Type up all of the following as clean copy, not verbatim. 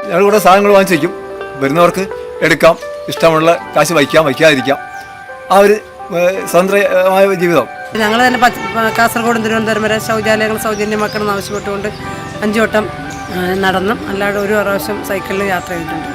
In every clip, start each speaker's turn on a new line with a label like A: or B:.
A: ഞങ്ങൾ കൂടെ സാധനങ്ങൾ വാങ്ങിച്ച് വയ്ക്കും. വരുന്നവർക്ക് എടുക്കാം, ഇഷ്ടമുള്ള കാശ് വയ്ക്കാതിരിക്കാം. ആ ഒരു സ്വതന്ത്രമായ ജീവിതം.
B: ഞങ്ങൾ തന്നെ കാസർഗോഡും തിരുവനന്തപുരം വരെ ശൗചാലയങ്ങൾ സൗജന്യമാക്കണം ആവശ്യപ്പെട്ടുകൊണ്ട് 5 വട്ടം നടന്നും അല്ലാതെ ഒരു പ്രാവശ്യം സൈക്കിളിൽ യാത്ര ചെയ്തിട്ടുണ്ട്.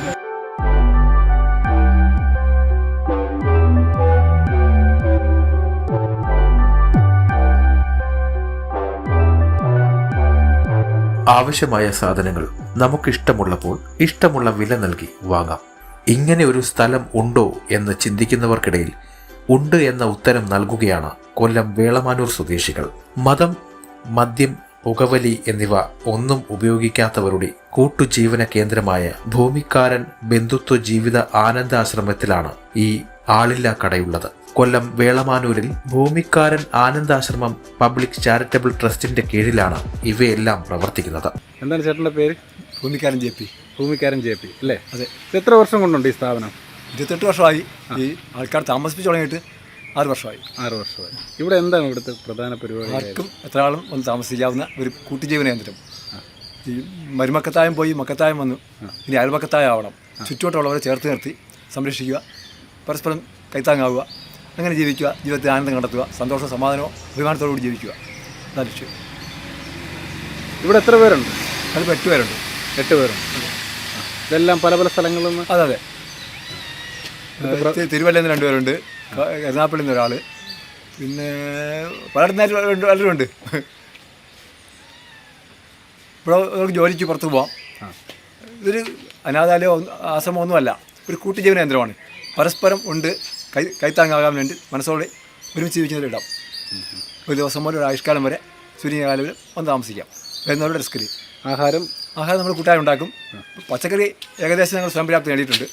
C: ആവശ്യമായ സാധനങ്ങൾ നമുക്കിഷ്ടമുള്ളപ്പോൾ ഇഷ്ടമുള്ള വില നൽകി വാങ്ങാം. ഇങ്ങനെ ഒരു സ്ഥലം ഉണ്ടോ എന്ന് ചിന്തിക്കുന്നവർക്കിടയിൽ ഉണ്ട് എന്ന ഉത്തരം നൽകുകയാണ് കൊല്ലം വേളമാനൂർ സ്വദേശികൾ. മതം, മദ്യം, പുകവലി എന്നിവ ഒന്നും ഉപയോഗിക്കാത്തവരുടെ കൂട്ടുജീവന കേന്ദ്രമായ ഭൂമിക്കാരൻ ബന്ധുത്വ ജീവിത ആനന്ദാശ്രമത്തിലാണ് ഈ ആളില്ലാ കടയുള്ളത്. കൊല്ലം വേളമാനൂരിൽ ഭൂമിക്കാരൻ ആനന്ദാശ്രമം പബ്ലിക് ചാരിറ്റബിൾ ട്രസ്റ്റിന്റെ കീഴിലാണ് ഇവയെല്ലാം പ്രവർത്തിക്കുന്നത്.
D: എന്താണ് ചേട്ടൻ്റെ പേര്?
A: ഭൂമിക്കാരൻ JP.
D: ഭൂമിക്കാരൻ JP അല്ലേ?
A: അതെ.
D: എത്ര വർഷം കൊണ്ടുണ്ട് ഈ സ്ഥാപനം?
A: 28 വർഷമായി. ഈ ആൾക്കാർ താമസിപ്പിച്ച് തുടങ്ങിയിട്ട് 6 വർഷമായി.
D: 6 വർഷമായി. ഇവിടെ എന്താണ് ഇവിടുത്തെ പ്രധാന പരിപാടി?
A: ആർക്കും എത്ര ആളും ഒന്ന് താമസിക്കാവുന്ന ഒരു കൂട്ടുജീവന കേന്ദ്രം. ഈ മരുമക്കത്തായം പോയി മക്കത്തായം വന്നു, ഇനി അയൽമക്കത്തായം ആവണം. ചുറ്റുവട്ടമുള്ളവരെ ചേർത്ത് നിർത്തി സംരക്ഷിക്കുക, പരസ്പരം കൈത്താങ്ങാവുക, അങ്ങനെ ജീവിക്കുക, ജീവിതത്തിൽ ആനന്ദം കണ്ടെത്തുക, സന്തോഷവും സമാധാനവും അഭിമാനത്തോടുകൂടി ജീവിക്കുക, അതാണ് ലക്ഷ്യം.
D: ഇവിടെ എത്ര പേരുണ്ട്?
A: അതിപ്പോൾ 8 പേരുണ്ട്.
D: 8 പേരുണ്ട്. ഇതെല്ലാം പല പല സ്ഥലങ്ങളിൽ നിന്ന്?
A: അതെ. തിരുവല്ലയിൽ നിന്ന് 2 പേരുണ്ട്, എറണാകുളത്തിൽ നിന്ന് ഒരാൾ, പിന്നെ പലയിടത്തും പലരും ഉണ്ട്. ഇവിടെ നമുക്ക് ജോലിക്ക് പുറത്ത് പോവാം. ഇതൊരു അനാഥാലയോ ആശ്രമമൊന്നുമല്ല, ഒരു കൂട്ടുജീവന കേന്ദ്രമാണ്. പരസ്പരം ഉണ്ട് കൈത്താങ്ങാകാൻ വേണ്ടി മനസ്സോടെ ഒരുമിച്ച് ജീവിക്കുന്നവരിടാം. ഒരു ദിവസം മുതൽ ഒരു ആയുഷ്കാലം വരെ സൂര്യകാലം വന്ന് താമസിക്കാം. വരുന്നവരുടെ റിസ്കിൽ ആഹാരം നമ്മൾ കൂട്ടായി ഉണ്ടാക്കും. പച്ചക്കറി ഏകദേശം ഞങ്ങൾ സ്വയം പര്യാപ്തി നേടിയിട്ടുണ്ട്.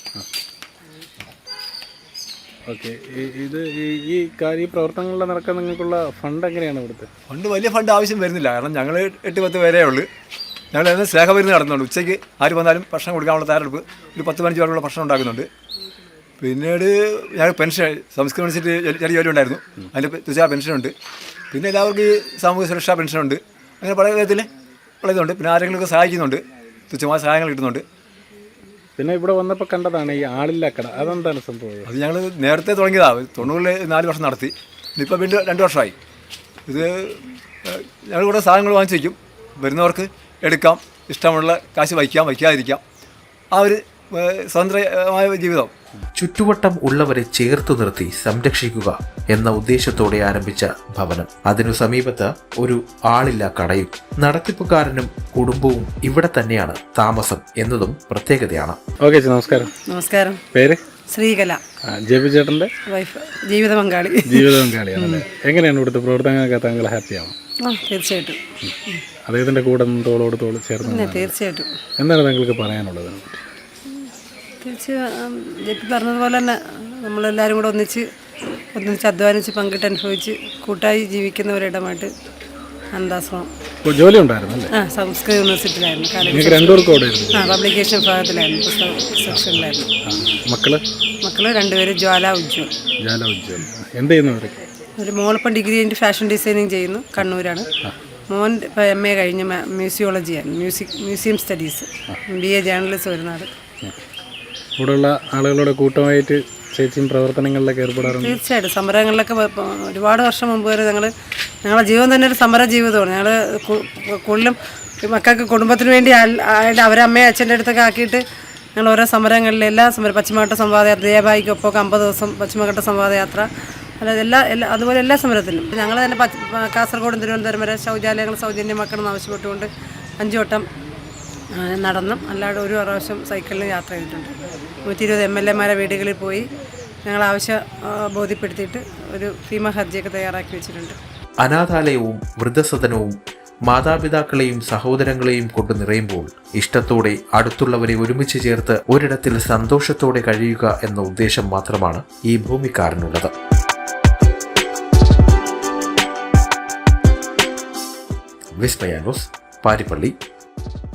D: ഓക്കെ. ഇത് ഈ പ്രവർത്തനങ്ങളുടെ നടക്കാൻ നിങ്ങൾക്കുള്ള ഫണ്ട് എങ്ങനെയാണ് ഇവിടുത്തെ?
A: ഫണ്ട് വലിയ ഫണ്ട് ആവശ്യം വരുന്നില്ല. കാരണം ഞങ്ങൾ 8-10 പേരേ ഉള്ളൂ. ഞങ്ങൾ അതിന് സ്നേഹപരിധി നടത്തുന്നുണ്ട്. ഉച്ചയ്ക്ക് ആര് വന്നാലും ഭക്ഷണം കൊടുക്കാനുള്ള തയ്യാറെടുപ്പ് ഒരു 10-15 പേരുള്ള ഭക്ഷണം ഉണ്ടാക്കുന്നുണ്ട്. പിന്നീട് ഞങ്ങൾ പെൻഷൻ സംസ്കൃത യൂണിവേഴ്സിറ്റി ചെറിയ ജോലി ഉണ്ടായിരുന്നു, അതിൻ്റെ തുച്ഛ പെൻഷനുണ്ട്. പിന്നെ എല്ലാവർക്കും ഈ സാമൂഹ്യ സുരക്ഷാ പെൻഷനുണ്ട്. അങ്ങനെ പല വിധത്തിൽ ഉള്ളതുണ്ട്. പിന്നെ ആരെങ്കിലുമൊക്കെ സഹായിക്കുന്നുണ്ട്, തുച്ഛമായ സഹായങ്ങൾ കിട്ടുന്നുണ്ട്.
D: പിന്നെ ഇവിടെ വന്നപ്പോൾ കണ്ടതാണ് ഈ ആളില്ലാ കട. അതെന്താണ് സംഭവം?
A: അത് ഞങ്ങൾ നേരത്തെ തുടങ്ങിയതാണ്. 90-4 വർഷം നടത്തി. ഇപ്പോൾ വീണ്ടും 2 വർഷമായി. ഇത് ഞങ്ങൾ കൂടെ സാധനങ്ങൾ വാങ്ങിച്ച് വയ്ക്കും. വരുന്നവർക്ക് എടുക്കാം, ഇഷ്ടമുള്ള കാശ് വയ്ക്കാതിരിക്കാം. ആ ഒരു സ്വതന്ത്രമായ ജീവിതം.
C: ചുറ്റുവട്ടം ഉള്ളവരെ ചേർത്തു നിർത്തി സംരക്ഷിക്കുക എന്ന ഉദ്ദേശത്തോടെ ആരംഭിച്ച ഭവനം, അതിനു സമീപത്ത് ഒരു ആളില്ലാ കടയും നടത്തിപ്പുകാരനും കുടുംബവും ഇവിടെ തന്നെയാണ് താമസം എന്നതും പ്രത്യേകതയാണ്.
D: ഓക്കെ, നമസ്കാരം.
B: നമസ്കാരം.
D: പേര്?
B: ശ്രീകല.
D: JP ചേട്ടൻ്റെ
B: വൈഫ്, ജീവിത പങ്കാളി.
D: ജീവിത പങ്കാളിയാണല്ലേ? എങ്ങനെയാണ് ഇവിടുത്തെ പ്രവർത്തനങ്ങളൊക്കെ താങ്കൾ ഹാപ്പിയാവും?
B: തീർച്ചയായിട്ടും.
D: അദ്ദേഹത്തിൻ്റെ കൂടെ തോളോട് തോൾ ചേർന്ന്
B: തീർച്ചയായിട്ടും.
D: എന്താണ് താങ്കൾക്ക് പറയാനുള്ളത്?
B: തീർച്ചയായും JP പറഞ്ഞതുപോലെ തന്നെ നമ്മളെല്ലാവരും കൂടെ ഒന്നിച്ച് അധ്വാനിച്ച് പങ്കിട്ട് അനുഭവിച്ച് കൂട്ടായി ജീവിക്കുന്നവരിടമായിട്ട് ആനന്ദാശ്രമം.
D: ജോലി ഉണ്ടായിരുന്നു?
B: സംസ്കൃത യൂണിവേഴ്സിറ്റിയിലായിരുന്നു. പബ്ലിക്കേഷൻ വിഭാഗത്തിലായിരുന്നു, പുസ്തക സെക്ഷനിലായിരുന്നു.
D: മക്കള്
B: 2 പേര് ജ്വാല ഉജ്ജ്വൽ.
D: എന്ത് ചെയ്യുന്നു അവരൊക്കെ?
B: ഒരു മോളിപ്പം ഡിഗ്രി കഴിഞ്ഞിട്ട് ഫാഷൻ ഡിസൈനിങ് ചെയ്യുന്നു, കണ്ണൂരാണ്. മോൻ ഇപ്പോൾ MA കഴിഞ്ഞ് മ്യൂസിയോളജിയാണ്, മ്യൂസിയം സ്റ്റഡീസ്, BA ജേർണലിസം വരുന്നത്.
D: ഇവിടെയുള്ള ആളുകളുടെ കൂട്ടമായിട്ട് ചേച്ചിയും പ്രവർത്തനങ്ങളിലൊക്കെ ഏർപ്പെടാറുണ്ട്? തീർച്ചയായിട്ടും.
B: സമരങ്ങളിലൊക്കെ ഒരുപാട് വർഷം മുമ്പ് വരെ ഞങ്ങളുടെ ജീവിതം തന്നെ ഒരു സമര ജീവിതമാണ്. ഞങ്ങൾ കൂടുതലും മക്കൾക്ക് കുടുംബത്തിന് വേണ്ടി അവരെ അമ്മയെ അച്ഛൻ്റെ അടുത്തൊക്കെ ആക്കിയിട്ട് ഞങ്ങൾ ഓരോ സമരങ്ങളിൽ പശ്ചിമഘട്ട സംവാദയാത്ര, ദേവായിക്കൊപ്പം 50 ദിവസം പശ്ചിമഘട്ട സംവാദയാത്ര, അതുപോലെ എല്ലാ സമരത്തിലും ഞങ്ങൾ തന്നെ കാസർഗോഡും തിരുവനന്തപുരം വരെ ശൗചാലയങ്ങൾ സൗജന്യമാക്കണം ആവശ്യപ്പെട്ടുകൊണ്ട് 5 വട്ടം നടന്നും അല്ലാതെ ഒരു പ്രാവശ്യം സൈക്കിളിൽ യാത്ര ചെയ്തിട്ടുണ്ട്. 120 MLA വീടുകളിൽ പോയി ഞങ്ങൾ ആവശ്യം ബോധ്യപ്പെടുത്തിയിട്ട് ഒരു ഭീമ ഹർജിയൊക്കെ തയ്യാറാക്കി വെച്ചിട്ടുണ്ട്.
C: അനാഥാലയവും വൃദ്ധസദനവും മാതാപിതാക്കളെയും സഹോദരങ്ങളെയും കൊണ്ട് നിറയുമ്പോൾ ഇഷ്ടത്തോടെ അടുത്തുള്ളവരെ ഒരുമിച്ച് ചേർത്ത് ഒരിടത്തിൽ സന്തോഷത്തോടെ കഴിയുക എന്ന ഉദ്ദേശം മാത്രമാണ് ഈ ഭൂമിക്കാരനുള്ളത്. വിസ്മയ ന്യൂസ്, പാരിപ്പള്ളി.